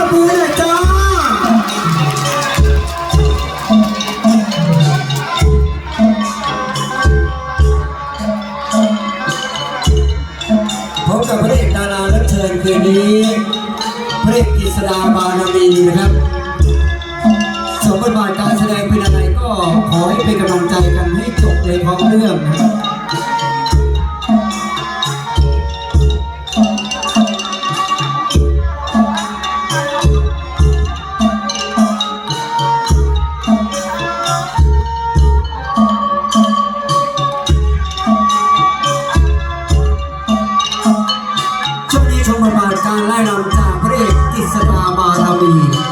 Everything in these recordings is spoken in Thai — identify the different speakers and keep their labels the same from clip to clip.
Speaker 1: มือหน่อยจ้าพบกับพระเอกดารารับเชิญคืนนี้พระเอกกฤษดาบารมีนะครับสมบทบาทการแสดงเป็นอะไรก็ขอให้เป็นกำลังใจกันให้จบเลยพร้อมเรื่องนะครับชมบทบาทการไล่รำจากพระเอกกฤษดาบารมี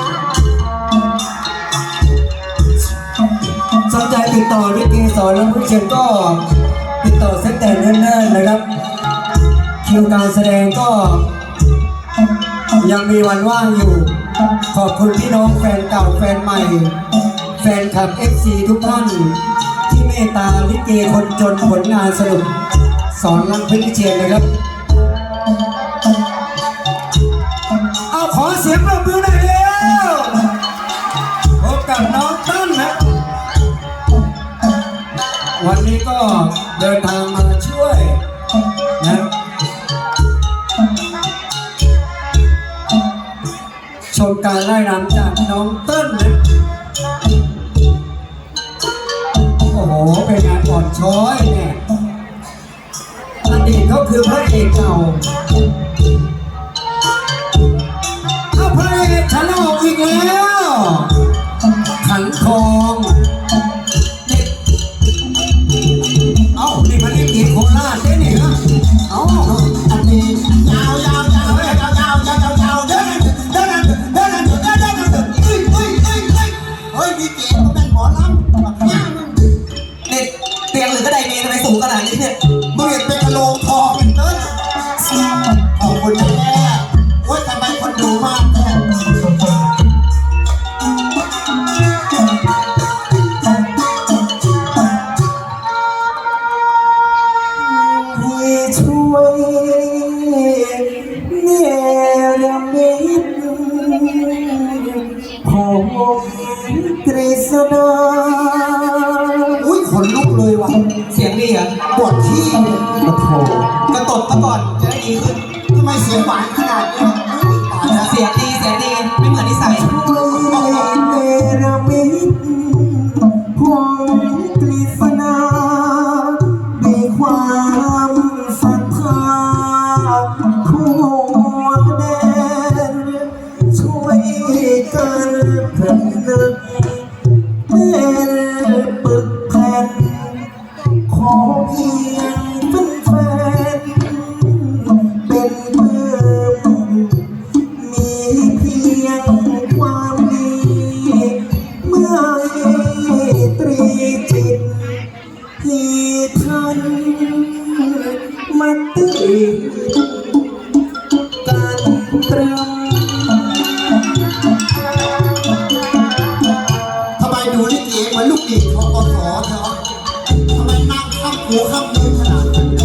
Speaker 1: สนใจติดต่อลิเกสอนและผู้เชิญก็ติดต่อเส้นแต่เนิ่นๆนะครับคิวการแสดงก็ยังมีวันว่างอยู่ขอบคุณพี่น้องแฟนเก่าแฟนใหม่แฟนคลับ FC ทุกท่านที่เมตตาลิเกคนจนผลงานสนุกสอนรักเพื่อนเชียนนะครับเอาขอเสียงปรบมือหน่อยเร็วพบกับน้องต้นนะวันนี้ก็เดินทางมาช่วยนะชมการไล่รำจากน้องต้นนะโอ้โหเป็นงานอ่อนช้อยเนี่ยอดีตเขาคือพระเอกเก่าพระเอกฉันออกอีกแล้วขันทองเอ้านี่มันเอกโคราชเนี่ยนะเอ้าอันนี้ยาวยาวเดินเฮ้ยมีเกียรติก็เป็นหมอลำเนี่ยเตียงหรือก็ไดเมย์ทำไมสูงขนาดนี้เนี่ยมึงเห็นเป็นกระโหลกทองเป็นเต้นขอบคุณแม่ว่าทำไมคนดูมากช่วยเนรมิตผมกฤษณาอุ้ยขนลุกเลยว่ะเสียงดีอ่ะปวดที่กระโถกระตบซะก่อนจะได้ดีขึ้นทำไมเสียงหวานขนาดนี้เสียงดีไม่เหมือนนิสัยเนรมิตผมกฤษณาด้วยความศรัทธาทั่วแดนช่วยกันผนึกเป็นปึกแผ่นขอเพียงเป็นแฟนเป็นเพื่อนมีเพียงความดีเมื่อตรีจิตที่ท่านมาติดกันตรึมทำไมดูลิเกเหมือนลูกดิบของกสเธอทำไมนั่งข้ามหูข้ามมือขนาดนั้น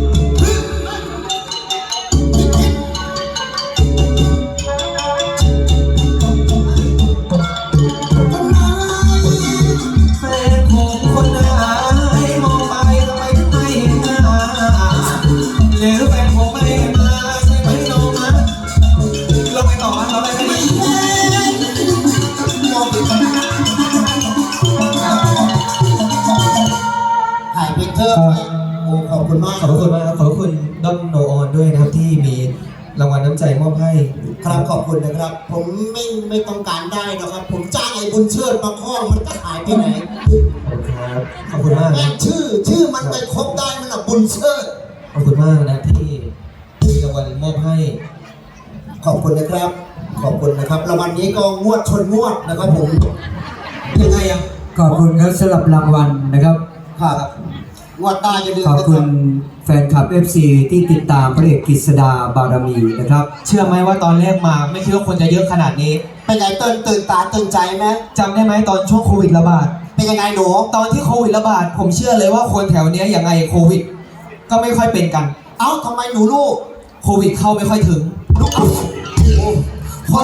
Speaker 1: ขอบคุณมากครับขอบคุณด้อมโนออนด้วยนะครับที่มีรางวัลน้ำใจมอบให้ครับขอบคุณนะครับผมไม่ต้องการได้นะครับผมจ้างไอ้บุญเชิดมาคล้องมันก็หายไปไหนครับขอบคุณมากนะชื่อมันไปครบได้มันอะบุญเชิดขอบคุณมากนะที่มีรางวัลมอบให้ขอบคุณนะครับขอบคุณนะครับรางวัลนี้ก็งวดชนงวดนะครับผมยังไงอ่ะขอบคุณครับสำหรับรางวัลนะครับครับวัดตาจะขอบคุณแฟนคลับ FC ที่ติดตามพระเอกกฤษดาบารมีนะครับเชื่อไหมว่าตอนแรกมาไม่คิดว่าคนจะเยอะขนาดนี้เป็นไงตื่นตาตื่นใจไหมจำได้ไหมตอนช่วงโควิดระบาดเป็นยังไงหนูตอนที่โควิดระบาดผมเชื่อเลยว่าคนแถวนี้ยังไงโควิดก็ไม่ค่อยเป็นกันเอ้าทำไมหนูลูกโควิดเข้าไม่ค่อยถึงเพราะว่าก่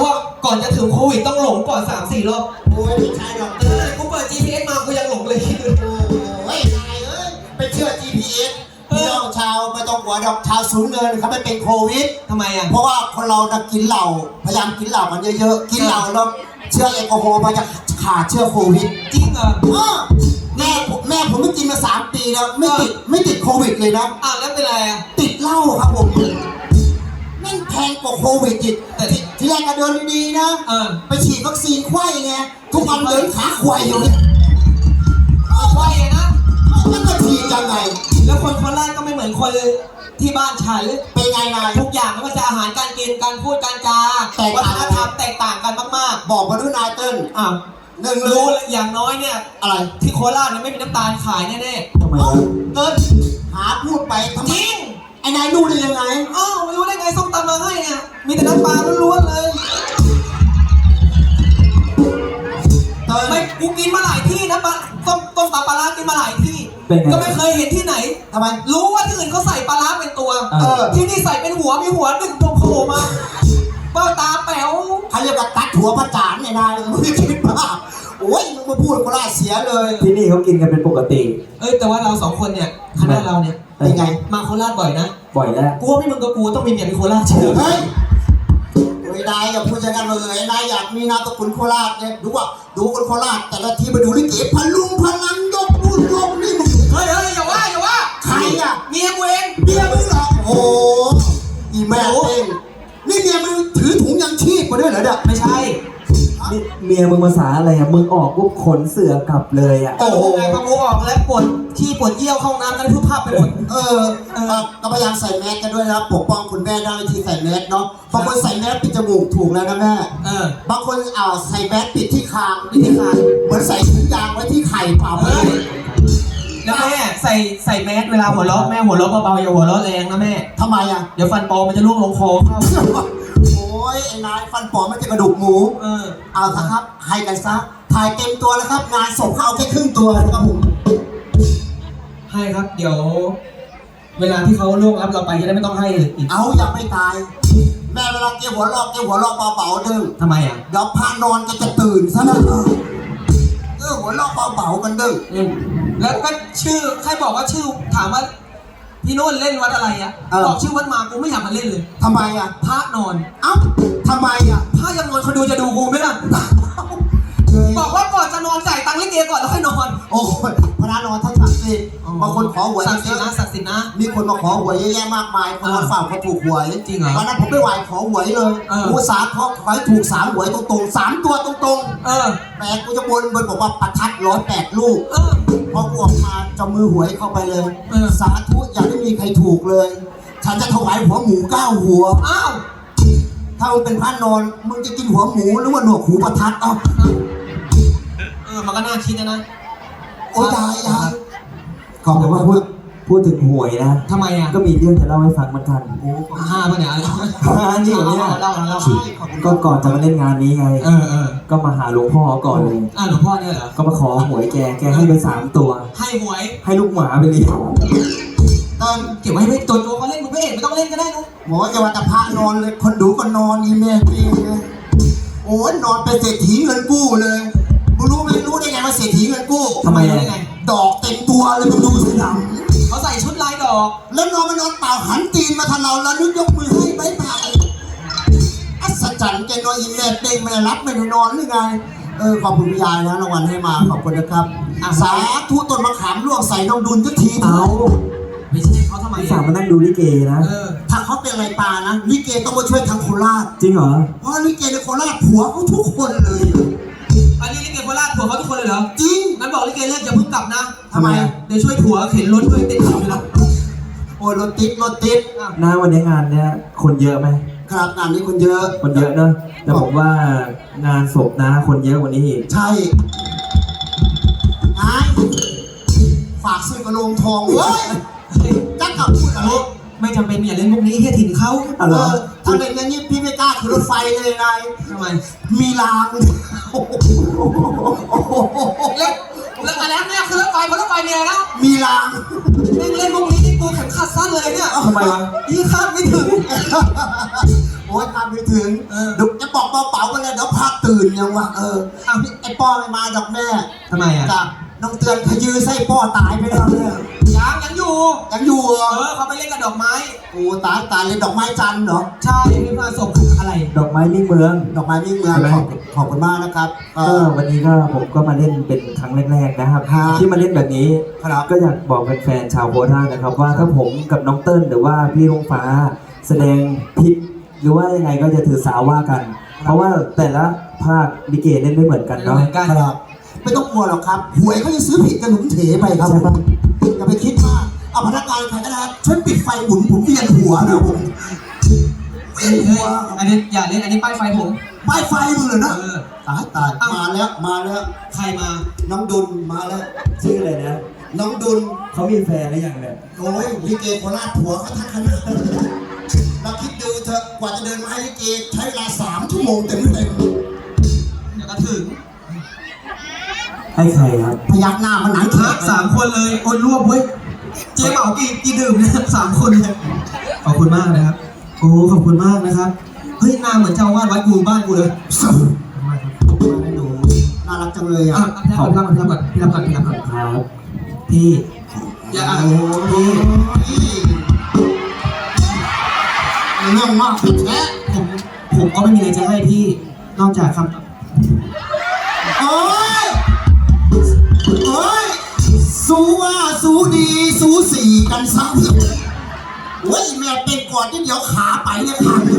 Speaker 2: ก่อนจะถึงโควิดต้องหลงก่อน3-4 รอบ
Speaker 1: โอ้ยไม่ใช่หรอก
Speaker 2: กูเปิด GPS มากูยังหลงเลย
Speaker 1: โอ้ยนายไปเชื่อ GPS พี่น้องชาวไม่ต้องหัวดอกชาวสูญเงินเขาไม่เป็นโควิด
Speaker 2: ทำไมอ่ะ
Speaker 1: เพราะว่าคนเราจะกินเหล้าพยายามกินเหล้ากันเยอะๆกินเหล้าแล้วเชื้อแอลกอฮอล์มันจะขาดเชื้อโควิด
Speaker 2: จริงเหรอ
Speaker 1: แม่ผมไม่กินมา3 ปีแล้วไม่ติดโควิดเลยนะ
Speaker 2: แล้วเป็นไรอ่ะ
Speaker 1: ติดเหล้าครับผมแม่งแพงกว่าโควิดอีก
Speaker 2: แต่
Speaker 1: ทีแรกก็เดินดีๆนะ ไปฉีดวัคซีนไข้ไงทุกวันเดินขาควายอยู่เนี่ย
Speaker 2: ไฟอะนะ
Speaker 1: มันก็ฉีดยังไง
Speaker 2: แล้วคนโคราชก็ไม่เหมือนคนที่บ้านฉัน
Speaker 1: เป็นไงนาย
Speaker 2: ทุกอย่างไม่ว่าจะอาหารการกินการพูดการจาวัฒนธรรมแตกต่างกันมาก
Speaker 1: บอกมาด้วยนายเติ้ล
Speaker 2: ๆ
Speaker 1: หนึ่งเล
Speaker 2: รู้
Speaker 1: ย
Speaker 2: อย่างน้อยเนี่ย
Speaker 1: อะไร
Speaker 2: ที่โคราชเนี่ยไม่มีน้ำตาลขายแน่
Speaker 1: ทำไมเติ้ลหาพูดไปทำ
Speaker 2: ๆ
Speaker 1: ไม
Speaker 2: จริง
Speaker 1: ไอ้นายรู้ได้ยังไง
Speaker 2: ไม่รู้ได้ไงส้มตำมาให้เนี่ยมีแต่น้ำปลาล้วนๆเลย
Speaker 1: เติ้ล
Speaker 2: ไม่กูกินมาหลายที่นะต้มตำปลาร้ากินมาหลายที่ ก็ไม่เคยเห็นที่ไหน
Speaker 1: ทำไม
Speaker 2: รู้ว่าที่อื่นเขาใส่ปลาร้าเป็นตัว ที่นี่ใส่เป็นหัวมีหัวหนึ่งโผล่มาเบ้าตาแป๋ว
Speaker 1: เขาเรียกว่าตัดหัวพระจานเนี่ยนายมึงไม่คิดบ้าโอ้ยมึงมาพูดก็ไล่เสียเลย
Speaker 3: ที่นี่เขากินกันเป็นปกติ
Speaker 2: แต่ว่าเรา2 คนเนี่ยคณะเราเนี่ย
Speaker 1: เป็นไง
Speaker 2: มาโคราชบ่อยนะ
Speaker 3: บ่อยแล้ว
Speaker 2: กูว่าไม่มึงกับกูต้องมีเมียเป็นโคราชเชื่อ
Speaker 1: เฮ้ยไม่ได้อย่าพูดอย่างนั้นเลยนายอยากมีนามสกุลโคราชเนี่ยดูคนโคราชแต่ละทีไปดูลิเกพลุงพลังยกนู่นยกนี่มึง
Speaker 2: เฮ้ยอย่าว่า
Speaker 1: ใครอ่ะ
Speaker 2: เมียกูเอง
Speaker 1: เมียมึงเหรอโอ้โหอีแม่เองนี่เมียมึงถือถุงยังชีพมาด้วยเหรอเนี่ย
Speaker 2: ไม่ใช่
Speaker 3: นี่เมียมึงภาษาอะไรอ่ะ มึงออกปุ๊บขนเสือกลับเลยอ่ะ
Speaker 2: โอ้โหไงพอกูออกแล้วปวดที่ปวดเยี่ยวเข้าห้องน้ำกันทุกภาพไปหมด
Speaker 1: ก็พยายามใส่แมสกันด้วยนะครับปกป้องคุณแม่ได้ที่ใส่แมสเนาะบางคนใส่แมสปิดจมูกถูกแล้วนะแม่บางคนใส่แมสปิดที่คางเหมือนใส่ถุงยางไว้ที่ไข่เปล่าเลย
Speaker 2: แล้วแม่ใส่แมสเวลาหัวเราะแม่หัวเราะเบาๆอย่าหัวเราะแรงนะแม่
Speaker 1: ทำไมอ่ะ
Speaker 2: เดี๋ยวฟันปลอมมันจะล่วงลงคอเข้า
Speaker 1: โอ้ยไอ้นายฟันปลอมไม่ใช่กระดูกหมูเอาซะครับให้กันซะถ่ายเต็มตัวแล้วครับงานศพเขาเอาแค่ครึ่งตัวนะครับผม
Speaker 2: ให้ครับ เดี๋ยว เวลาที่เขาล่วงรับเราไปจะได้ไม่ต้องให้อีก
Speaker 1: เอาอย่าไม่ตาย แม่เวลาเกี่ยวหัวเราะเบาๆดึง
Speaker 2: ทำไมอ่ะ
Speaker 1: เดี๋ยวพานอนก็จะตื่นซะนะหัวเราะเบาๆกันดึง
Speaker 2: แล้วก็ชื่อใครบอกว่าชื่อถามว่าพี่โน่นเล่นวัดอะไรอ่ะบอกชื่อวัดมากูไม่อยากมาเล่นเลย
Speaker 1: ทำไมอ่ะ
Speaker 2: พระนอน
Speaker 1: เอ้าทำไมอ่ะ
Speaker 2: พระยังนอนคนดูจะดูกูไหมล่ะบอกว่าก่อนจะนอนจ่ายตังค์ลิเกก่อนแล้วค่อยนอน
Speaker 1: โอ้ยพระนอนท่านศักดิ์สิทธิ์บางคนขอหวย
Speaker 2: ศักดิ์สิทธิ์นะศักดิ์สิทธิ์นะ
Speaker 1: มีคนมาขอหวยเยอะแยะมากมายคนมาฝากเขาถูกหวย
Speaker 2: จริงเหรอ
Speaker 1: วันนั้นผมไปไหว้ขอหวยเลยกูสาขอให้ถูก3 หวยตรงๆ3 ตัวตรงๆแต่กูจะบนบอกว่าประทัด108 ลูกพอกูออกมาจะมือหวยเข้าไปเลยสาธุอย่าได้มีใครถูกเลย ฉันจะถวายหัวหมู9 หัว
Speaker 2: อ้าว
Speaker 1: ถ้ามึงเป็นพระนอนมึงจะกินหัวหมูหรือว่าหนวกหูประทัด
Speaker 2: มันก็น่าคิดนะ
Speaker 1: โอ้ยยายขอบ
Speaker 3: แต่
Speaker 1: คุณ
Speaker 3: ว่า
Speaker 1: ว่า
Speaker 3: พูดถึงหวยนะ
Speaker 2: ทำไมอ่ะ
Speaker 3: ก็มีเรื่องจะเล่าให้ฟังเหมือนกัน
Speaker 2: 5 ป่ะเนี่ย
Speaker 3: นี่เหรอเนี่ย
Speaker 2: เล่า
Speaker 3: ก็ก่อนจะมาเล่นงานนี้ไง ก็มาหาหลวงพ่อก่อนเลย
Speaker 2: หลวงพ่อเนี่ยเหรอ
Speaker 3: ก็มาขอหวยแกให้ไป3 ตัว
Speaker 2: ให้หวย
Speaker 3: ให้ลูกหมาไปเลี้ยง
Speaker 1: ตอน
Speaker 2: เก็บไว้ให้ตัวเขาเล่นมึงไม่เห็นไม่ต้องเล่นก็ได้นุ๊ก
Speaker 1: หมอจะว่าแต่พระนอนเลยคนดูก็นอนอีแม่ปีเลยโอ้ยนอนเป็นเศรษฐีเงินกู้เลยมึงรู้ได้ไงว่าเศรษฐีเงินกู้
Speaker 3: ทำไม
Speaker 2: ได้
Speaker 3: อ่ะ
Speaker 2: ไง
Speaker 1: ดอกเต็มตัวเลยมึงดูสิหนัง
Speaker 2: เขาใส่ชุดลายดอก
Speaker 1: แล้วนอนมานอนเปล่าหันตีนมาทางเราแล้วนึกยกมือให้บายบายอัศจรรย์แกนอนอีแม่เด้งไม่ได้รับไม่ได้นอนหรือไงขอบคุณพี่ยายนะรางวัลให้มาขอบคุณนะครับสาธุต้นมะขามร่วงใส่น้องดุลทุกที
Speaker 3: เอา
Speaker 2: ไม่ใช่เขาทำไม
Speaker 3: พี่สาวมานั่งดูลิเกนะ
Speaker 1: ถ้าเขาเป็นอะไรปานะลิเกต้องมาช่วยทางโคราช
Speaker 3: จริงเหรอ
Speaker 1: เพราะลิเกในโคราชผัวเขาทุกคนเลย
Speaker 2: อันนี้ลิเกโคราชผัวเขาทุกคนเลยเหรอ
Speaker 1: จริง
Speaker 2: งั้นบอกลิเกเลิกอย่าเพิ่งกลับนะ
Speaker 1: ทำไม
Speaker 2: เดี๋ยวช่วยผัวเข็นรถช่วยติดขับไปแล้ว
Speaker 1: โอ้ยรถติด
Speaker 3: หน้าวันนี้งานเนี้ยคนเยอะไหม
Speaker 1: ครับงานนี้คนเยอะ
Speaker 3: คนเยอะเนอะแต่ผมว่างานศพนะคนเยอะกว่านี้อีก
Speaker 1: ใช่ไอ้ฝากซื้อกระโลงทองเว้ยจักกับพูดอะไร
Speaker 2: ไม่จำเป็นอย่าเล่นมุกนี้เฮียถิ่นเขา
Speaker 1: ถ้าเป็นอย่างนี้พี่ไม่กล้าขึ้นรถไฟเลยนาย
Speaker 2: ทำไม
Speaker 1: มีราง
Speaker 2: แล้วอะไรเนี่ยคือรถไฟเพราะรถไฟเนี่ยนะ
Speaker 1: มีราง
Speaker 2: เล่นมุกนี้ที่กูเข็มขัดสั้นเลยเนี่ย
Speaker 3: ทำไมวะ
Speaker 2: ยี่คาดไม่ถึง
Speaker 1: โอ้ยทำไม่ถึงเดี๋ยวจะบอกเป๋าๆกันเลยเดี๋ยวพาตื่นยังวะเอาไอ้ป้อไม่มาดอกแม่
Speaker 2: ทำไมอ่ะ
Speaker 1: จ้ะน้องเตือนขยื้อไส้ป้อตายไปแล้วเนี่ย
Speaker 2: ยังอยู่
Speaker 1: ยังอยู่เหรอ
Speaker 2: เขาไปเล่นกับดอกไม้
Speaker 1: โอ้ตายเลยดอกไม้จันทร์เหรอ
Speaker 2: ใช่ไม่มาส่งอะไร
Speaker 3: ดอกไม้มิ่งเมือง
Speaker 1: ดอกไม้มิ่งเมืองขอบคุณมากนะครับ
Speaker 3: ก็วันนี้ก็ผมก็มาเล่นเป็นครั้งแรกๆนะครับ ที่มาเล่นแบบนี้
Speaker 1: ครับ
Speaker 3: ก็อยากบอกแฟนๆชาวโคราชนะครับ ว่าถ้าผมกับน้องเติ้ลหรือว่าพี่ลุงฟ้าแสดงผิดหรือว่ายังไงก็จะถือสาว่ากัน เพราะว่าแต่ละภาคลิเกเล่นไม่เหมือนกันเนาะ
Speaker 2: เหมือนกัน
Speaker 1: ครับไม่ต้องกลัวหรอกครับหวยเขาจะซื้อผิดกันหนุนเถไปครับ
Speaker 3: ใช่ปะ
Speaker 1: อย่าไปคิดมากเอาพนักงานใครก็ได้ครับช่วยปิดไฟหมุนผมเวียนหัวนะผมเวียนหัว
Speaker 2: อันนี้อย่าเล่นอันนี้ป้ายไฟผม
Speaker 1: ป้ายไฟมึงเหรอนะ ตาย
Speaker 2: เอ้าม
Speaker 1: มาแล้ว
Speaker 2: ใครมา
Speaker 1: น้องดุลมาแล้ว
Speaker 3: ชื่ออะไรนะ
Speaker 1: น้องดุล
Speaker 3: เขามีแฟนหรือยังเนี่ย
Speaker 1: โอ้ยลิเกโคราชผัวเขาทั้งคณะเราคิดดูเถอะกว่าจะเดินมาให้ลิเกใช้เวลา3 ชั่วโมงเต็ม
Speaker 2: เดี๋ยวก็ถึง
Speaker 3: ให้ใครครับ
Speaker 1: พยักหน้ามันหนัง
Speaker 2: ฮะ3 คนเลยโอนรวบเว้ยเจ๊เหมากี่ดื่มเนี่ย3 คนเลยขอบคุณมากนะครับโอ้ขอบคุณมากนะครับเฮ้ยหน้าเหมือนเจ้าอาวาดวัดกูบ้านกูเลย
Speaker 1: ให้ดูน่ารักจังเลยอ่ะ
Speaker 2: พี่รับก่อนพี่รับก่อน
Speaker 3: ครับ
Speaker 2: พี่อย่า
Speaker 1: โอ้ยเรื่องมากผิดแท้
Speaker 2: ผมก็ไม่มีอะไรจะให้พี่นอกจากคำ
Speaker 1: โอ้ยสู้ว่าสู้ดีสู้สี่กันซ้ำโอ้ยแม่เป็นก่อนที่เดี๋ยวขาไปเนี่ยขาด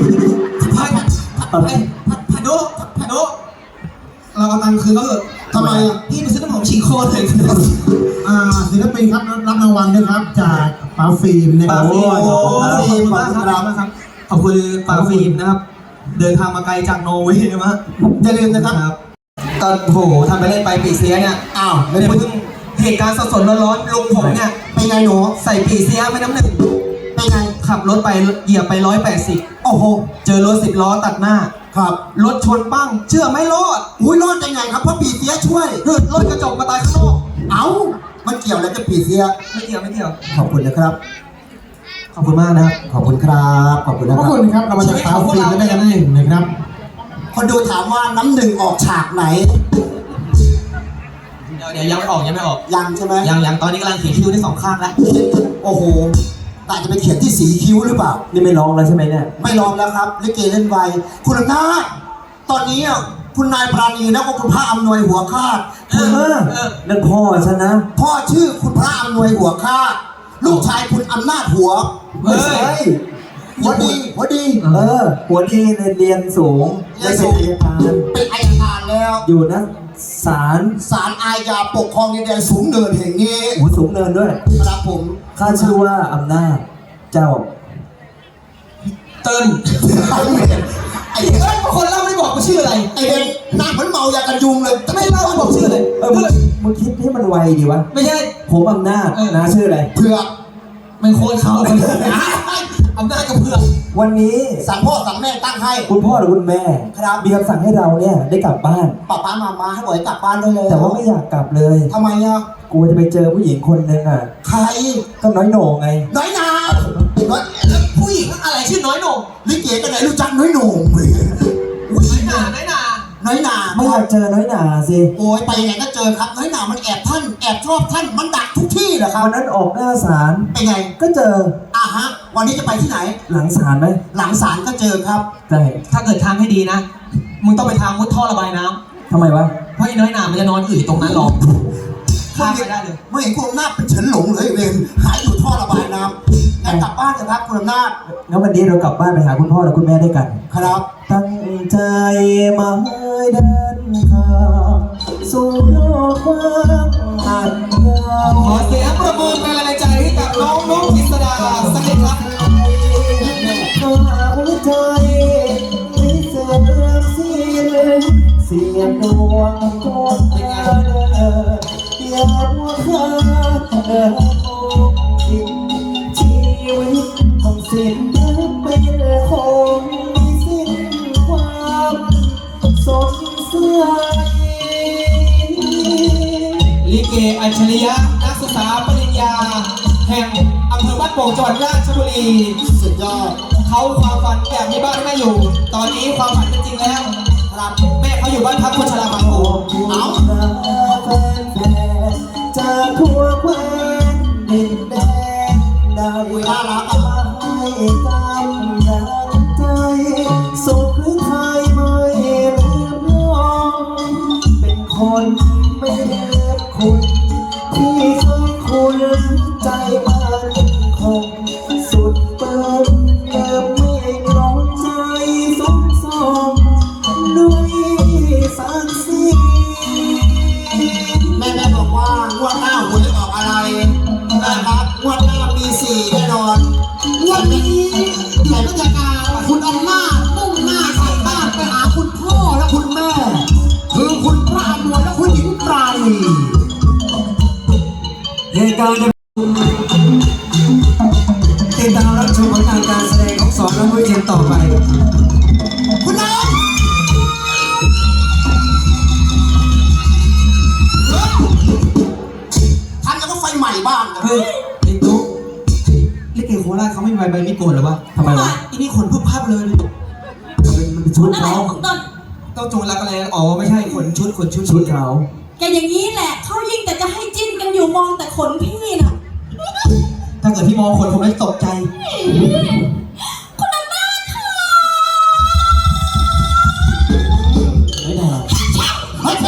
Speaker 2: พะโดเราเอาตังค์คืนเขาเถอะ
Speaker 1: ทำไมอ่ะ
Speaker 2: พี่ไปซื้อน้ำหอมฉีกโคนเลย
Speaker 4: ศิลปินครับรับรางวัลด้วยครับจากป๋าฟิล์มนะค
Speaker 2: ปา
Speaker 4: รับ
Speaker 2: ฟิล์ม
Speaker 1: โอ้
Speaker 2: โอ้
Speaker 1: โห
Speaker 2: ขอบคุณมากครับขอบคุณปาฟิล์มนะครับ เดินทางมาไกลจากนอร์เวย์มา
Speaker 1: อย่าลืมนะครับ
Speaker 2: ก็โหทำไปเล่นไปปีเสียเนี่ย
Speaker 1: อ้าว
Speaker 2: เนี่ยเพิ่งเหตุการณ์สดๆร้อนๆลุงผมเนี่ย
Speaker 1: เป็นไงหนู
Speaker 2: ใส่ปีเสียไม่น้ำหนึ่ง
Speaker 1: เป็นไง
Speaker 2: ขับรถไปเหยียบไป180
Speaker 1: โอ้โห
Speaker 2: เจอรถ10 ล้อตัดหน้า
Speaker 1: ครับ
Speaker 2: รถชนปั้ง เชื่อไม่รอด
Speaker 1: อุ้ยรอดได้ไงครับเพราะปีเสียช่วย
Speaker 2: เกิดรถกระจกมาตายข้างนอก
Speaker 1: เอ้ามันเกี่ยวอะไรกับปีเสีย
Speaker 2: ไม่เกี่ยวไม่เกี่ยว
Speaker 1: ขอบคุณนะครับ
Speaker 2: ขอบคุณมากนะครับ
Speaker 1: ขอบคุณครับขอบคุณนะ
Speaker 4: ขอบ
Speaker 1: ครับ
Speaker 4: คุณครับเรามาจากป๋าฟิล์มได้กันได้นะครับ
Speaker 1: คนดูถามว่าน้ำหนึ่งออกฉากไหน
Speaker 2: เดี๋ยวยังไม่ออก
Speaker 1: ยังใช่ไหม
Speaker 2: ยังตอนนี้กำลังเขียนคิ้วได้2 ข้างแล้ว
Speaker 1: โอ้โหแต่จะไปเขียนที่สีคิ้วหรือเปล่า
Speaker 3: นี่ไม่ร้องแล้วใช่ไหมเนี่ย
Speaker 1: ไม่ลองแล้วครับลิเกเล่นไวคุณอำนาจตอนนี้อ่ะคุณนายปราณีแล้วก็คุณพระอำนวยหัวคาด
Speaker 2: เออ
Speaker 3: นั่นพ่อฉันนะ
Speaker 1: พ่อชื่อคุณพระอำนวยหัวคาดลูกชายคุณอำนาจหัว
Speaker 3: ไม่ใช่
Speaker 1: หัวดี
Speaker 3: หัวดีเรียนสูงได้เป็นอัยการ
Speaker 1: เป็นอัยการแล้ว
Speaker 3: อยู่นะศาล
Speaker 1: ศาลอาญาปกครองดินแดนสูงเนินแห่งนี้
Speaker 3: หูสูงเนินด้วย
Speaker 1: ครับผม
Speaker 3: ข้าชื่อว่าอำนาจเจ้า
Speaker 2: เติ้ล
Speaker 1: ไอ้เอ้ย
Speaker 2: คนเล่าไม่บอกกูชื่ออะไร
Speaker 1: ไอ้เด็กหน้าเหมือนเมายากันยุงเลยจะ
Speaker 2: ไม่
Speaker 1: ไม่
Speaker 2: เล่า
Speaker 1: เล่า
Speaker 2: ไม่บอกชื่อเลย
Speaker 3: มึงคิดให้มันไวดีวะ
Speaker 2: ไม่ใช่
Speaker 3: ผมอำนาจนะชื่ออะไร
Speaker 1: เผือก
Speaker 2: มันโคนเขาเลยอำนาจกับเพื่อน
Speaker 3: วันนี้
Speaker 1: สั่งพ่อสั่งแม่ตั้งให้
Speaker 3: คุณพ่อหรือคุณแม่
Speaker 1: ครับ
Speaker 3: มีคำสั่งให้เราเนี่ยได้กลับบ้าน
Speaker 1: ป้ามาให้บ่อยกลับบ้านได้เลย
Speaker 3: แต่ว่าไม่อยากกลับเลย
Speaker 1: ทำไมอ่ะ
Speaker 3: กูจะไปเจอผู้หญิงคนหนึ่งอ่ะ
Speaker 1: ใคร
Speaker 3: ก็น้อยโหน่งไง
Speaker 1: น้อยนาน้อย
Speaker 2: แล้วผู้หญิงอะไรชื่อน้อยโหน่ง
Speaker 1: ลิเกกันไหนรู้จักน้อยโหน่ง
Speaker 2: น้อยหนา
Speaker 1: น้อยนา
Speaker 3: ไม่อยากเจอน้อยหนาสิ
Speaker 1: โอ้ยไปยังไงก็เจอครับน้อยนามันแอบท่านแอบชอบท่านมันดักทุกที่เหรอครับ
Speaker 3: วันนั้นออกหน้าศาล
Speaker 1: เป็นไง
Speaker 3: ก็เจอ
Speaker 1: ฮะวันนี้จะไปที่ไหน
Speaker 3: หลังศาลไหม
Speaker 1: หลังศาลก็เจอครับ
Speaker 3: ใช่
Speaker 2: ถ้าเกิดทางให้ดีนะ มึงต้องไปทางมุดท่อระบายน้
Speaker 3: ทำไมวะ
Speaker 2: ำเพราะไอ้น้อยหนามันจะนอนอืดอยู่ตรงนั้นหรอกข้ามไปได้เลย
Speaker 1: ไม่เห็นคุณอำนาจเป็นเฉินหลงเลยเองหายอยู่ท่อระบายน้ำงั้นกลับบ้านเถอะครับคุณอำนาจ
Speaker 3: งั้นวันนี้เรากลับบ้านไปหาคุณพ่อและคุณแม่ด้วยกัน
Speaker 1: ครับ
Speaker 3: ตั้งใจมาให้เดินทางสู่โลกกว้างอันยาว
Speaker 2: ขอเสียงประมือเป็นแรงใจให้กับน้องนุ๊กอิสดาสักนิดครับ
Speaker 3: ก็หัวใจไม่เสื่อมสิ้นเสียงดวงก็เดินอยากว่าข้าเดินโอ้ทิ้งชีวิตของสิ้นเป็นคงมีสิ้นความสดใส
Speaker 2: ลิเกอัจฉริยะนักศึกษาปริญญา แห่งอำเภอบ้านโป่งจังหวัดราชบุรี
Speaker 1: สุดยอด
Speaker 2: เขาความฝันอยากมีบ้านให้แม่อยู่ ตอนนี้ความฝันเป็นจริงแล้วครับแม่เขาอยู่บ้านพักคนชราบางโพ
Speaker 3: เอาแฟนๆจากทั่วแคว้นดินแดนได้มาให้กำลังใจสุขหรือไทยไม่ลืมน้องเป็นคนไม่ลืมคุณที่เคยคุณใจมันคงสุดเปิดเลิมไม่กลองใจสมสมด้วยสักสี
Speaker 1: แม่บอกว่างวดหน้าหวยออกอะไรนะครับงวดหน้ามี4แน่นอนงวดนี้แต่ราชการคุณอำนาจมุ่งหน้าใส่บ้านไปหาคุณพ่อและคุณแม่ คือคุณพระอำนวยและคุณหญิงปราณี
Speaker 3: เหตุการณ์ติดตามรับชมผลงานการแสดงของสองนักมวยทีมต่อไป
Speaker 1: คุณน้องท่านแล้วก็ไฟใหม่บ้างนะ
Speaker 2: เฮ้ยไอ้ตุ๊กลิเกโคราชเขาไม่มีใบมีดโกนหรอวะทำไมวะอีนี่ขนพึบพับเลย
Speaker 3: มันเป็นชุด
Speaker 5: อะไร
Speaker 3: เขา
Speaker 5: ของต้น
Speaker 2: ต้องโจรรักอะไรอ๋อไม่ใช่ขนชุด
Speaker 3: ชุดเขา
Speaker 5: แกอย่างนี้แหละเขายิ่งแต่จะให้จิ้นกันอยู่มองแต่ขนพี่น่ะ
Speaker 2: ถ้าเกิดพี่มองคนผมไม่ตกใจ
Speaker 5: คุณอำนาจค่ะ
Speaker 3: ไม่ได้
Speaker 1: เฮ้ย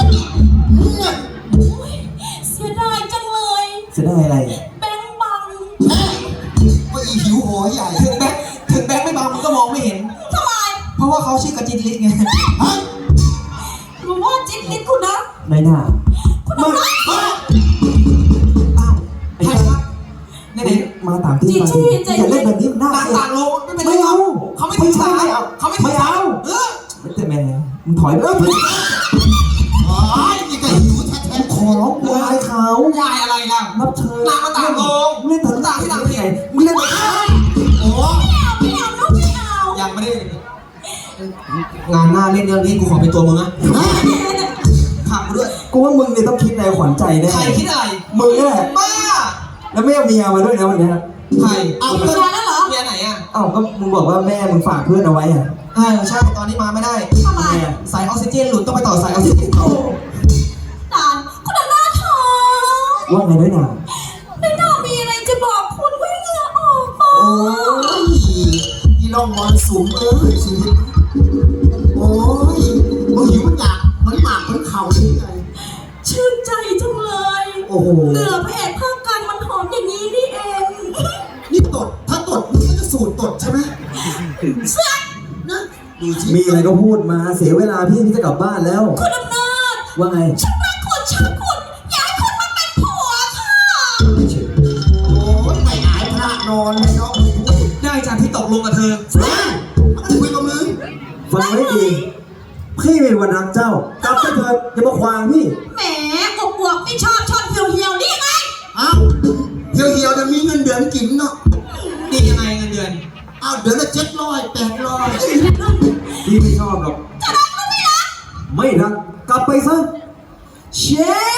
Speaker 5: เสียดายจังเลย
Speaker 3: จะได้อะไร
Speaker 5: แบงค์บัง
Speaker 1: ว่าอีหิวโหยใหญ่
Speaker 2: ถึงแบงค์ไม่บางมันก็มองไม่เห็น
Speaker 5: ทำไม
Speaker 2: เพราะว่าเขาชื่อกระจินลิศไง
Speaker 1: เฮ้ย
Speaker 5: รู้ว่าจิ้นลิ้นคุณนะ
Speaker 3: ไม่น่า
Speaker 5: คุณอำนาจ
Speaker 1: เฮ้ย
Speaker 2: อ้าวใครครับไหน
Speaker 3: มาต่างที่มาอย่าเล่นแบบนี้มันน่า
Speaker 2: ต่าง
Speaker 3: เกลีย
Speaker 2: ต่า
Speaker 3: ด
Speaker 2: งโลกไม่เป็นไร
Speaker 3: ไม่เอา
Speaker 2: เขาไม่ถือสาย
Speaker 3: ไม่เอา
Speaker 2: เขาไม่ถือสายเออ
Speaker 3: ไม่แต่แม่มึงถอยไป
Speaker 1: โอ้ยนี่ก็หิวแท้
Speaker 3: ขอร้องวายเขา
Speaker 2: ยายอะไรล่ะ
Speaker 3: รับเชิญ
Speaker 2: ต่างมาต่างโลก
Speaker 3: เล่นถึง
Speaker 2: ต่างที่ต่างที่
Speaker 3: ไหนมึงเล่นแบบ
Speaker 1: ๆโอ้ย
Speaker 5: ไม่เอาลูกไม่เอา
Speaker 2: ยังไม่ได้งานหน้าเล่นเรื่องนี้กูขอเป็นตัวมึงอะขับกูด้วย
Speaker 3: กูว่ามึงเนี่ยต้องคิดในขวัญใจแน่
Speaker 2: ใครคิดอะไร
Speaker 3: มึงนี่แหละ
Speaker 2: บ้า
Speaker 3: แล้วไม่เอาเมียมาด้วยนะวันเนี้ย
Speaker 2: ใคร
Speaker 5: เอาเมียแล้วเหรอ
Speaker 2: เมียไหนอ่ะ
Speaker 3: เอ้าก็มึงบอกว่าแม่มึงฝากเพื่อนเอาไว้อะ
Speaker 2: ใช่ตอนนี้มาไม่ได้
Speaker 5: ทำไม
Speaker 2: สายออกซิเจนหลุดต้องไปต่อสายออกซิเจน
Speaker 5: ตานคุณอำนาจค่ะ
Speaker 3: ว่าไงด้วยนะ
Speaker 5: ไม่น่ามีอะไรจะบอกคุณไว้เหงื่อออกมา
Speaker 1: โอ้ยอีลองมอนสูงชีวิตโอ้ยมึงหิวมันอยากมันหมากมันเข่าได้ไง
Speaker 5: ชื่นใจจังเลย
Speaker 3: โอ้โห
Speaker 5: เหนือพระเอกภาคกลางมันหอมอย่างนี้นี่เอง
Speaker 1: นี่ตดถ้าตดมึงก็จะสูดตดใช่ไหม
Speaker 5: เสื้อ
Speaker 1: นะดูสิ
Speaker 3: มีอะไรก็พูดมาเสียเวลาพี่จะกลับบ้านแล้ว
Speaker 5: คุณอำนาจ
Speaker 3: ว่าไง
Speaker 5: ฉันรักคุณชักคุณอยากให้คุณมาเป็นผัวค่ะ
Speaker 1: โอ้ยไม่อายพระนอนเลยเนาะมึงพูด
Speaker 2: ได้จากที่ตกลงกับเธอ
Speaker 1: มันคุยกับมึง
Speaker 3: ฟังไว้ดีพี่เป็นวันรักเจ้ากลับไปเถิดอย่ามาขวางพี่
Speaker 5: แหมอบวกไม่ชอบชอบเหี่ยวๆนี่ยังไง
Speaker 1: อ้าวเหี่ยวๆจะมีเงินเดือนกินเนาะ
Speaker 2: ดียังไงเงินเดือน
Speaker 1: อ้าวเดือนละ700 800
Speaker 3: พี่ไม่ชอบหรอก
Speaker 5: จะรักก็ไม่รัก
Speaker 3: ไม่รักกลับไปซะเช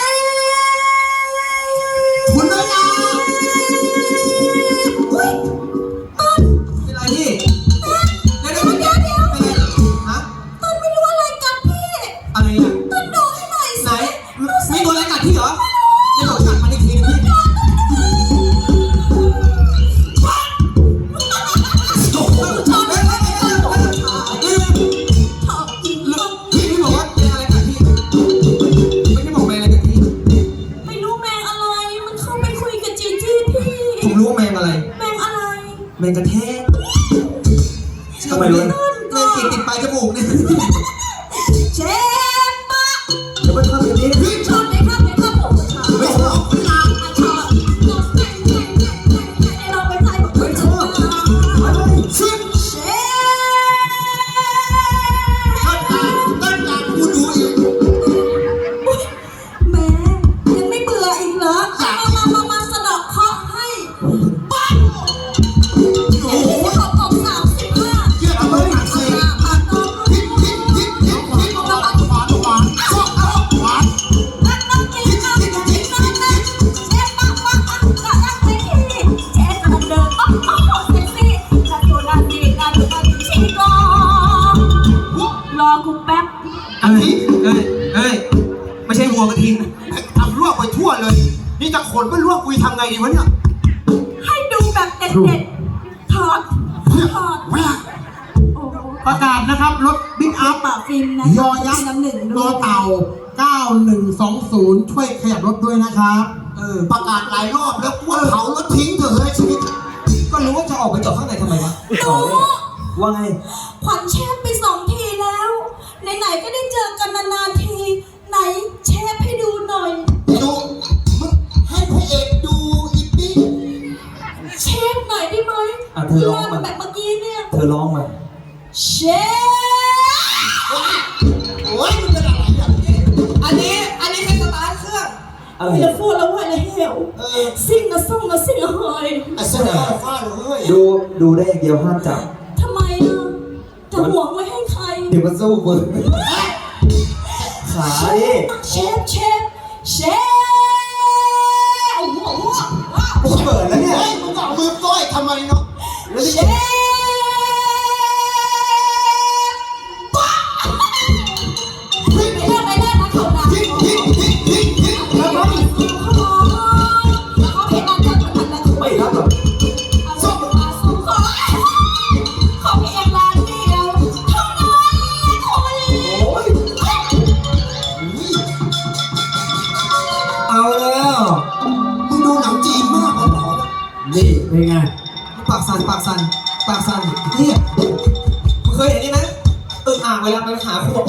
Speaker 3: ฟ
Speaker 1: คุณน้อยนา
Speaker 5: อุ้ยต้น
Speaker 2: เป็นไรพี่เดี๋ยว
Speaker 5: เดี๋ยว
Speaker 2: เป็นไรฮะ
Speaker 5: ต้นไม่รู้อะไรกันพี่
Speaker 2: อะไรอ่ะ
Speaker 5: ต้นดูให้หน่อย
Speaker 2: ไหน
Speaker 5: สิ
Speaker 2: มีตัวอะไรกัดพี่เหรอเดี๋ยวผมกัดมันอีกทีนึงพี่โอ้โหชอบเลยพี่บอกว่าเป็นอะไรกัดพี่ไม่ได้บอกแมงอะไรกัดพี่
Speaker 5: ไม่รู้แมงอะไร มันเข้าไปคุยกับจีจี้พี่
Speaker 2: ผมรู้ว่าแมงอะไร
Speaker 5: แมงอะไร
Speaker 2: แมงกระแทก
Speaker 3: ทำไมรู้
Speaker 2: แมงติดปลายจมูกเนี่ย
Speaker 5: เจ็บปะ
Speaker 3: อย่าไปทำอย่างนี้
Speaker 5: ชอบไหมครับผมชอบ
Speaker 1: ไม่ชอบคุณนา
Speaker 5: ชอบเราไปใส่บอกไม่ชอบ
Speaker 1: ซึ่ง
Speaker 5: เชฟ
Speaker 1: ต้นจากกูดูอีก
Speaker 5: แม่ยังไม่เบื่ออีกเหรอมาสะดอกเคราะห์ให้ปั๊บ
Speaker 1: โอ้โหวกันทีทำลวกไปทั่วเลย นี่จะขนไปลวกกุยทำไงดีวะเนี่ย
Speaker 5: ให้ดูแบบเด็ดๆถอดโอ้
Speaker 4: ประกาศนะครับรถบิ๊กอัพ
Speaker 5: ปะฟิล์มนะ
Speaker 4: ยอยักษ์
Speaker 5: น้ำหนึ่ง
Speaker 4: ร
Speaker 5: ด้
Speaker 4: อ
Speaker 5: วย
Speaker 4: เต่า 9120 ช่วยขยับรถด้วยนะครับ
Speaker 1: ประกาศหลายรอบแล้วว่าเผารถทิ้งเถอะเฮ้ยชีวิต
Speaker 2: ก็รู้ว่าจะออกไปจอดข้างในทำไมวะ
Speaker 5: หนู
Speaker 2: ว่าไง
Speaker 5: ขวัญเชฟไป2 ทีแล้ว ไหนๆก็ได้เจอกันนานๆที ไหนเชฟให้ดูหน่อย
Speaker 1: ดูมึงให้พระเอกดูอีกดิ
Speaker 5: เชฟหน่อยได้ไหม
Speaker 2: อ่ะเธอร้องมา
Speaker 5: แบบเมื่อกี้เนี่ย
Speaker 2: เธอร้องมา
Speaker 5: เชฟ
Speaker 1: โอ้ยมึงจะอะไรอย่างนี้
Speaker 2: อันนี้แค่สตาร์ทเครื่องอะไร
Speaker 5: อย่าพูดแล้วว่าอะไรเหวซิ่งนะส่งนะซิ่งนะเฮย
Speaker 1: ไอ้เสื้อฟ้าเลย
Speaker 2: ดูได้อย่างเดียวห้ามจับ
Speaker 5: ทำไมล่ะจะหวงไว้ให้ใคร
Speaker 2: เดี๋ยวมันสู้มึงขาดิ
Speaker 5: เชฟโอ้โห
Speaker 2: กูเปิดแล้วเนี่ย
Speaker 1: เฮ้ยมึงเอามือก้อยทำไมเนาะ
Speaker 5: เชฟไม่ได้นะเขานะ
Speaker 1: ทิ้ง
Speaker 5: แล้วก็อีกสิ่งเขาเพลงนั้นก็เหมือนกันนะ
Speaker 2: ไม่รับหรอก
Speaker 5: ส่งขอเพียงร้านเดียวเท่านั้นคน
Speaker 2: โอ้ยเอาแล้ว
Speaker 1: มึงดูหนังจีนมากเลยเหรอ
Speaker 4: นี่เป็นไง
Speaker 2: ปากสั่นเนี่ยมึงเคยเห็นนี่ไหมอ่างเวลาไปหาขวด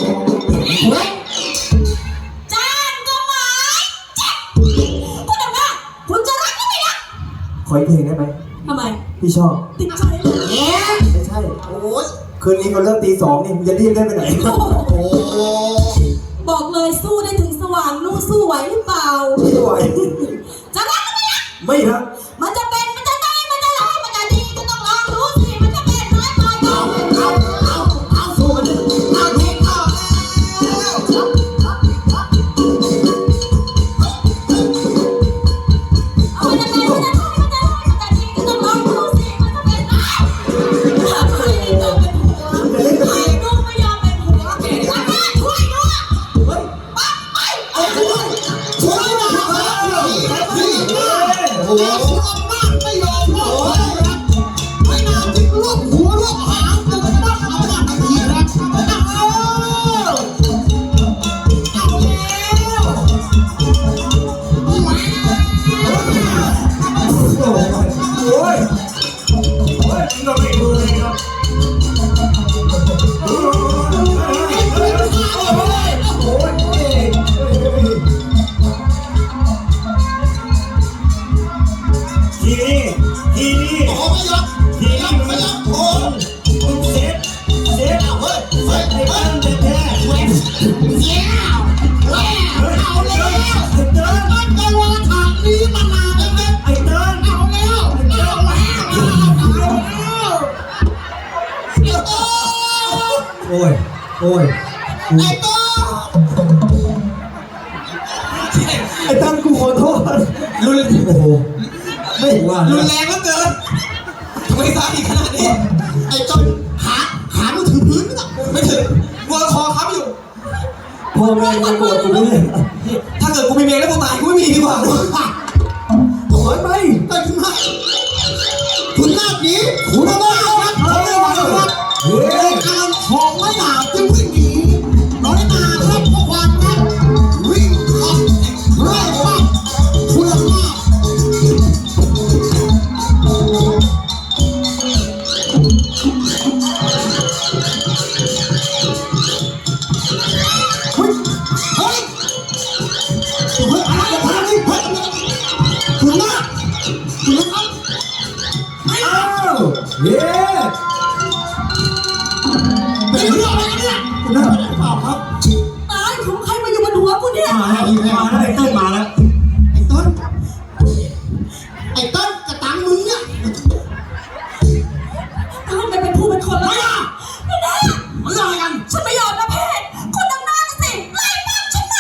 Speaker 5: จ้างก็หมายจับคุณทำไงคุณจะรักก็ไม่รัก
Speaker 2: ขออีกเพลงได้ไหม
Speaker 5: ทำไม
Speaker 2: พี่ชอบ
Speaker 5: ติดใจเลย
Speaker 2: ไม่ใช่
Speaker 1: โอ้ย
Speaker 2: คืนนี้เขาเริ่มตี 2นี่มึงจะรีบได้ไปไหน
Speaker 1: โอ้
Speaker 5: บอกเลยสู้ได้ถึงสว่างนู่นสู้ไหวหรือเปล่า
Speaker 2: ไม่ไหว
Speaker 5: จะรักก็ไม่รัก
Speaker 2: ไม่รับ
Speaker 5: มันจะเป็นมันจะได้มันจะร้ายมันจะดีก็ต้องลองดูสิมันจะเป็นร้ายไปเอา
Speaker 2: สู้มันดิ
Speaker 5: เอาดิเอาเอามันจะเป็นมันจะได้มันจะดีก็ต้องลองดูสิมันจะเป็นร้ายใครต้องเป็นผัวใครก็ไม่ยอมเป็นผัวแม่ช่วยด้วย
Speaker 2: เฮ้ย
Speaker 5: ไป
Speaker 1: ช่วยหน่อยพี่โอ้โหไม่ยอมโอ้ยไม่น่าจะรวบหัวรวบหางจะต้องเอาหน้าไปทีนะ
Speaker 2: โอ้ยเราไม่ดูเลยครับทีนี้
Speaker 1: โอ้ไม่ยอมไม่ยอมโอ้ย
Speaker 2: มึงเซฟ
Speaker 1: เอาเฮ้ยเฮ้ย
Speaker 2: ไอ้
Speaker 1: เฮ้
Speaker 2: บ้าน
Speaker 1: ย
Speaker 2: แท้
Speaker 1: เอาแล้วเอาแล้วมันจะวางทางนี้มานานแล้วนะ
Speaker 2: ไอ้เติ้ล
Speaker 1: เอาแล้ว
Speaker 2: โอ้ย
Speaker 1: ไอ้ต้อ
Speaker 2: ไอ้ตั้มกูขอโทษรุนโอ้โหไม่ว่ารุนแรงเหลือเกินทำไมซ้ำอีกขนาดนี้
Speaker 1: ไอ้ต้นขามันถือพื้นนะ
Speaker 2: ไม่ถึงวัวคอค้ำอยู่พ่อแม่ยังโกรธกูไม่เลยถ้าเกิดกูมีเมียแล้วกูตายกูไม่มีดีกว่า
Speaker 1: โอ้ยไปทำไมคุณหน้านี้คุณหน้าครับเขาเรียกว่าครับการของไม่หนาจึงวิ่งหนีน้อยนาครับเพราะความรักวิ่งขับไล่ฟังคุณภาพเฮ้ยอะไรกันเฮ้ยคุณหน้าครับ
Speaker 2: อ้าวเย้
Speaker 1: เป็นเรื่องอะไรกันเนี่ยคุณหน้าเปล่าครับ
Speaker 5: ตายของใครมาอยู่บนหัวกูเนี่ย
Speaker 4: มาแล้วไอ้เต้นมาแล้ว
Speaker 1: ไอ้ต้นกระตังมึงเนี่ย
Speaker 5: ตายไปเป็นผู้เป็นคนแล้ว
Speaker 1: ไม่ได้
Speaker 5: ไม่ได้
Speaker 1: มันเรื่องอะไรกัน
Speaker 5: ฉันไม่ยอมนะเพศคนดังหน้าสิไล่ฟังฉันมา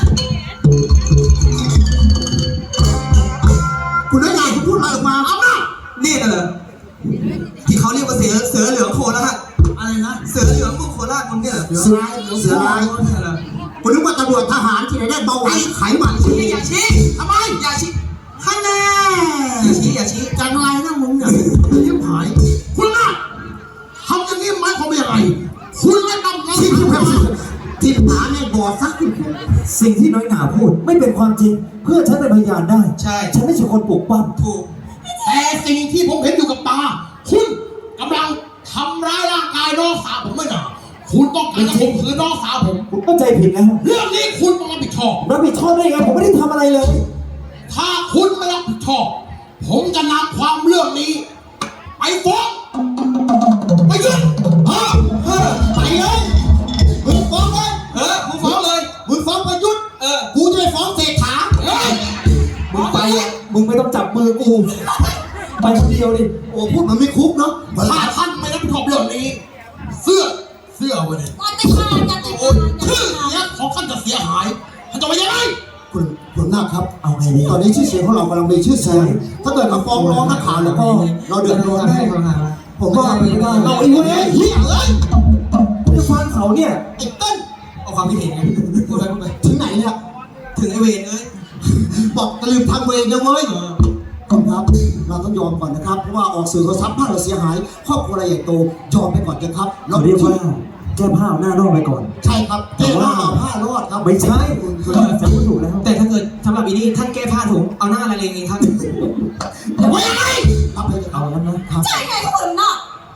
Speaker 1: คุณน้อยใหญ่คุณพูดอะไรออกมาเอาหน้า
Speaker 2: นี่น่ะเหรอที่เขาเรียกว่าเสือเหลืองโคราช
Speaker 1: อะไรนะ
Speaker 2: เสือเหลืองมึงโคราชมึงเนี่ยเหรอ
Speaker 1: เสือลาย
Speaker 2: เสือลายเนี่ยเหรอ
Speaker 4: กูนึกว่าตำรวจทหารที่ไหนได้เบาหวานไขมัน
Speaker 2: ชี้อย่าชี้ทำไมอย่าชี้ข้างหน้าอย่าชี้
Speaker 4: จังไรนะมึงเนี่ยยิ้มหายคุณน่ะทำอย่างนี้หมายความว่าอะไรคุณไม่ต้องการที่หาเนี่ยบอดซัก
Speaker 3: สิ่งที่น้อยหนาพูดไม่เป็นความจริง เพื่อฉันเป็นพยานได้
Speaker 2: ใช่
Speaker 3: ฉันไม่ใช่คนปลุกปั้ม
Speaker 2: ถูก
Speaker 4: แต่สิ่งที่ผมเห็นอยู่กับตาคุณกำลังทำร้ายร่างกายน้องสาวผมไม่หนาคุณต้องการจะข่มขืนน้องสาวผม
Speaker 3: ผมเข้าใจผิดแล้ว
Speaker 4: เรื่องนี้คุณต้องรับผิดชอบ
Speaker 3: รับผิดชอบได้ไงผมไม่ได้ทำอะไรเลย
Speaker 4: ถ้าคุณไม่รับผิดชอบผมจะนำความเรื่องนี้ไปฟ้องไปยื่นไปเลยมึงฟ้องเลย
Speaker 2: มึงฟ้องเลย
Speaker 4: มึงฟ้องประยุทธ์ กูจะไปฟ้องเศรษฐา
Speaker 3: มึงไปอ่ะมึงไม่ต้องจับมือกู ไปคนเดียวดิ
Speaker 4: โอ้พูดมันไม่คุกเนาะถ้าท่านไม่รับผิดชอบเรื่องนี้ เสื้อไว้เลย
Speaker 5: วันแต่ขาดจะติด
Speaker 4: โอ้ยชื่อเสียงของท่านจะเสียหายท่านจะไปยังไงคุณหน้าครับ
Speaker 3: เอาไงดี
Speaker 4: ตอนนี้ชื่อเสียงของเรากำลังมีชื่อเสียงถ้าเกิดมาฟ้องร้องนักข่าวแล้วก็เราเดือดร้อนแน่ผมว่าไม่ได้เราไอ้เว้ยเฮียเอ้ย
Speaker 3: จะฟังเขาเนี่ย
Speaker 4: ไอ้เต้น
Speaker 2: เอาความคิดเห็นไงพูดไป
Speaker 4: ถึงไหนเนี่ย
Speaker 2: ถึงไอเวนเอ้ย
Speaker 4: บอกตะลืมทางเวรนะเว้ยครับเราต้องยอมก่อนนะครับเพราะว่าออกสื่อโทรศัพท์บ้านเราเสียหายครอบครัวอะไรใหญ่โตยอมไปก่อนนะครับ
Speaker 3: เราเรียกว่าแก้ผ้าเอาหน้ารอดไปก่อน
Speaker 4: ใช่ครับแก้ผ้ารอดครับ
Speaker 3: ไม่ใช่จะพูดถูกแล้ว
Speaker 2: แต่ถ้าเกิดสำหรับอีนี่ท่านแก้ผ้าถุงเอาหน้าอะไรเองครับ
Speaker 4: ไว้ยังไงครับเลย
Speaker 3: เอาแล้วนะครับ
Speaker 5: ใช่ไงคุณน่ะ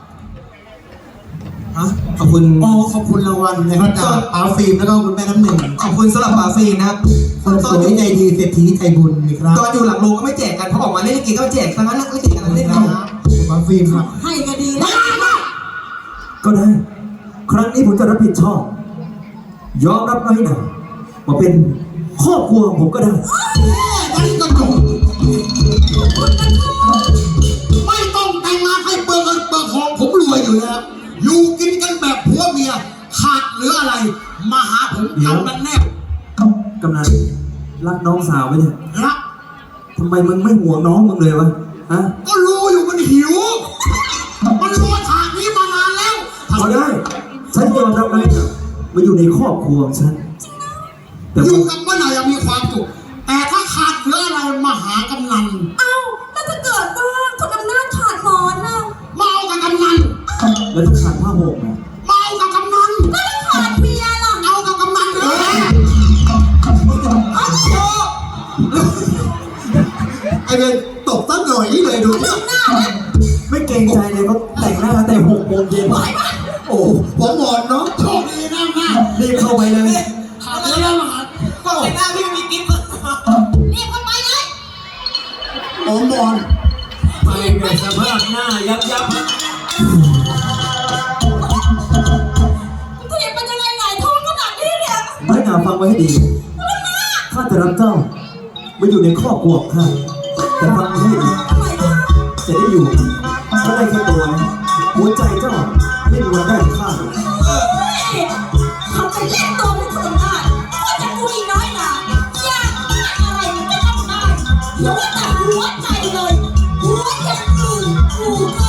Speaker 2: ฮะขอบคุณ
Speaker 4: ขอบคุณรางวัลนะครับจากป๋าฟิล์มแล้วก็คุณแม่น้ำหนึ่ง
Speaker 2: ขอบคุณสำหรับปาฟีนะครับ
Speaker 4: คนสวยใจดีเศรษฐีใจบุญนะครับ
Speaker 2: ตอนอยู่หลังโรงก็ไม่แจกกันเพราะออกมาเล่นลิเกก็แจกทั้งนั้นเล่นลิเกกันเล่นกัน
Speaker 4: ป๋าฟิล์มครับ
Speaker 5: ให้ก็ดีแล้ว
Speaker 3: ก็ได้ ครั้งนี้ผมจะรับผิดชอบ ยอมรับน้อยหนาว่าเป็นครอบครัวของผมก็ได้
Speaker 4: นั่นก็จบไม่ต้องแต่งงานให้เปิดเงินเปิดทองผมรวยอยู่แล้วอยู่กินกันแบบผัวเมียขาดเหลืออะไรมาหาผมกำนันแนบ
Speaker 3: กำนันรักน้องสาวไหมเนี่ย
Speaker 4: รัก
Speaker 3: ทำไมมึงไม่ห่วงน้องมึงเลยวะ ฮะ
Speaker 4: ก็รู้อยู่มันหิว มันรอฉากนี้มานานแล้ว
Speaker 3: เอาได้ ฉันยอมรับน้อยหนามาอยู่ในครอบครัวของฉัน แต่
Speaker 4: อยู่
Speaker 3: ว่า
Speaker 4: กับป้าหน่อยยังมีความสุขแต่ถ้าขาดเหลืออะไรมาหากำนัน
Speaker 5: เอ้าแล้วถ้าเกิดว่าคุณอำนาจขาดหมอนน่ะ
Speaker 4: มาเอากับกำนัน
Speaker 3: แล้วต้องขาดผ้าห่มนะ
Speaker 4: มาเอากับกำนัน
Speaker 5: ก็ต้องขาดเมียล่ะ
Speaker 4: เอากับกำนันเลย ไอเบนตบตั้งหน่อยนี่เลยดู
Speaker 3: ไม่เกรงใจเลยเขาแต่งหน้าตั้งแต่6 โมงเย็นโอ้
Speaker 4: ผมหมอนเนาะโชคดีนะนะ
Speaker 3: รีบเข้าไปเลย
Speaker 4: ขาดเหลือแล้วมาหา
Speaker 2: ก็แต่งหน้าพี่มีกิ๊บ
Speaker 5: เรียกกันไปเลย
Speaker 4: ผมหมอน
Speaker 3: ไปแบบสภาพหน้ายับ
Speaker 5: เรียกมันยังไงหงายท้องขนาดนี้เนี่ย
Speaker 3: น้อยหนาฟังไว้ให้ดี ข้าจะรับเจ้ามาอยู่ในครอบครัวของข้าแต่ฟังไว้ให้ดี
Speaker 5: ทำไมคะ
Speaker 3: จะได้อยู่ก็ได้แค่ตัวนะหัวใจเจ้าไม่มีวันได้ข้าหรอก
Speaker 5: ทำเป็นเล่นตัวเป็นคนอำนาจก็จะกูอีน้อยหนาอยากได้อะไรมันก็ต้องได้อย่าว่าแต่หัวใจเลยหัวใจอื่นกูก็